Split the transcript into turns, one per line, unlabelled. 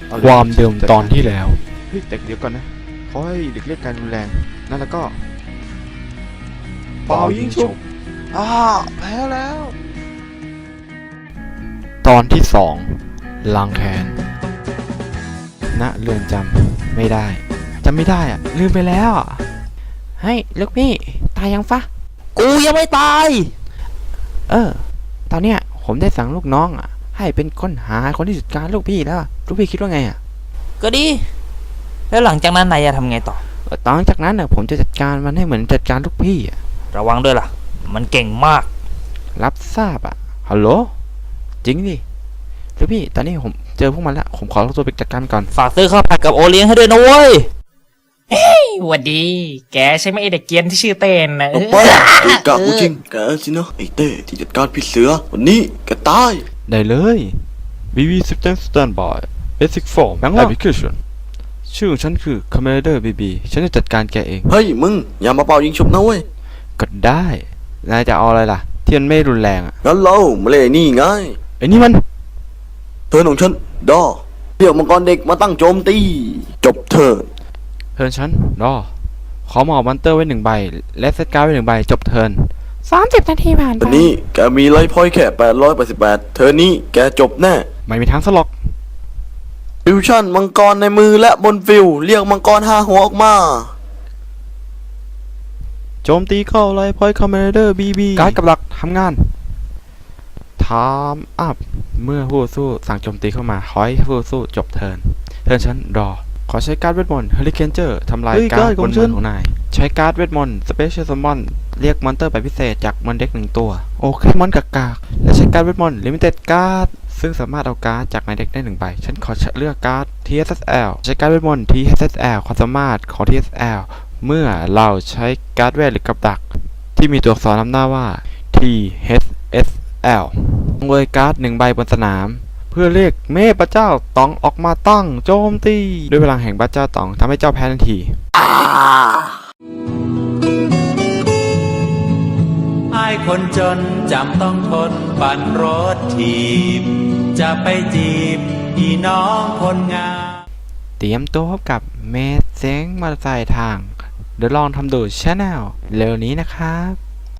ความเดิมตอนที่แล้ว
เฮ้ยแต่เดี๋ยวก่อนนะขอให้เด็กเล่นการรุนแรงนั่นแล้วก็เป่ายิงฉุบแพ้แล้ว
ตอนที่2ล้างแค้นณเรือนจำไม่ได้จำไม่ได้อ่ะลืมไปแล้วอ่ะเฮ้ยลูกพี่ตายยังฟะกูยังไม่ตายตอนเนี้ยผมได้สั่งลูกน้องอ่ะให้เป็นคนหาคนที่จัดการลูกพี่แล้วลูกพี่คิดว่าไงอ่ะ
ก็ดีแล้วหลังจากนั้นนายจะทำไงต่อ
หลังจากนั้นผมจะจัดการมันให้เหมือนจัดการลูกพี่อ่ะ
ระวังด้วยล่ะมันเก่งมาก
รับทราบอ่ะฮัลโหลจริงดิลูกพี่ตอนนี้ผมเจอพวกมันแล้วผมขอตัวไปจัดการก่อน
ฝากซื้อข้าวผัดกับโอเลี้ยงให้ด้วยนะเว้ย
เฮ้ยหวัดดีแกใช่ไหมไอเด็กเกรียนที่ชื่อเต้นนะ
ไปกะกูจริงแกสินะไอเต้ที่จัดการพี่เสือวันนี้แกตาย
ได้เลย BB System Standby Basic Form Application ชื่อของฉันคือ Commander BB ฉันจะจัดการแกเอง
เฮ้ยมึงอย่ามาเป่ายิงฉุบนะเว้ย
ก็ได้นายจะเอาอะไรล่ะที่มันไม่รุนแรงอ่ะ
งั้นเรามาเล่นนี่ไง
ไอ้นี่มัน
เธอของฉันดอเรียกมังกรเด็กมาตั้งโจมตีจบเธอ
เทิร์นฉันรอขอหมอบมอนเตอร์ไว้1 ใบและเซตการ์ดไว้1 ใบจบเทิร์น30 นาทีผ่านไป
ตอนนี้แกมีไลฟ์พอยต์แค่888เธอนี้แกจบแน่
ไม่มีทางสลอก
ฟิวชั่นมังกรในมือและบนฟิวเรียกมังกร5 หัวออกมา
โจมตีเข้าไลฟ์พอยต์คอมมานเดอร์BBการ์ดกับหลักทำงานไทม์อัพเมื่อผู้สู้สั่งโจมตีเข้ามาขอให้ผู้สู้จบเทิร์นฉันรอขอใช้การ์ดเวทมนต์เฮลิเคนเจอร์ทำลายการ์ดบนมือของนายใช้การ์ดเวทมนต์สเปเชียลซัมมอนเรียกมอนเตอร์แบบพิเศษจากมอนเด็ก1 ตัวโอเคมอนกากและใช้การ์ดเวทมนต์ลิมิเต็ดการ์ดซึ่งสามารถเอาการ์ดจากในเด็กได้1 ใบฉันขอเลือกการ์ด TSSL ใช้การ์ดเวทมนต์ TSSL ความสามารถของ TSSL เมื่อเราใช้การ์ดเวทหรือกับดักที่มีตัวอักษรนำหน้าว่า TSSL ลงเลยการ์ด1 ใบบนสนามเพื่อเรียกเมฆพระเจ้าตองออกมาตั้งโจมตีด้วยพลังแห่งพระเจ้าตองทำให้เจ้าแพ้ทันที
ไอ้คนจนจำต้องทนปั่นรถถีบจะไปจีบพี่น้องคนงาม
เตรียมตัวพบกับเมฆเซ้งมอเตอร์ไซค์ทางเดี๋ยวลองทำดูชาแนลเร็วนี้นะครับ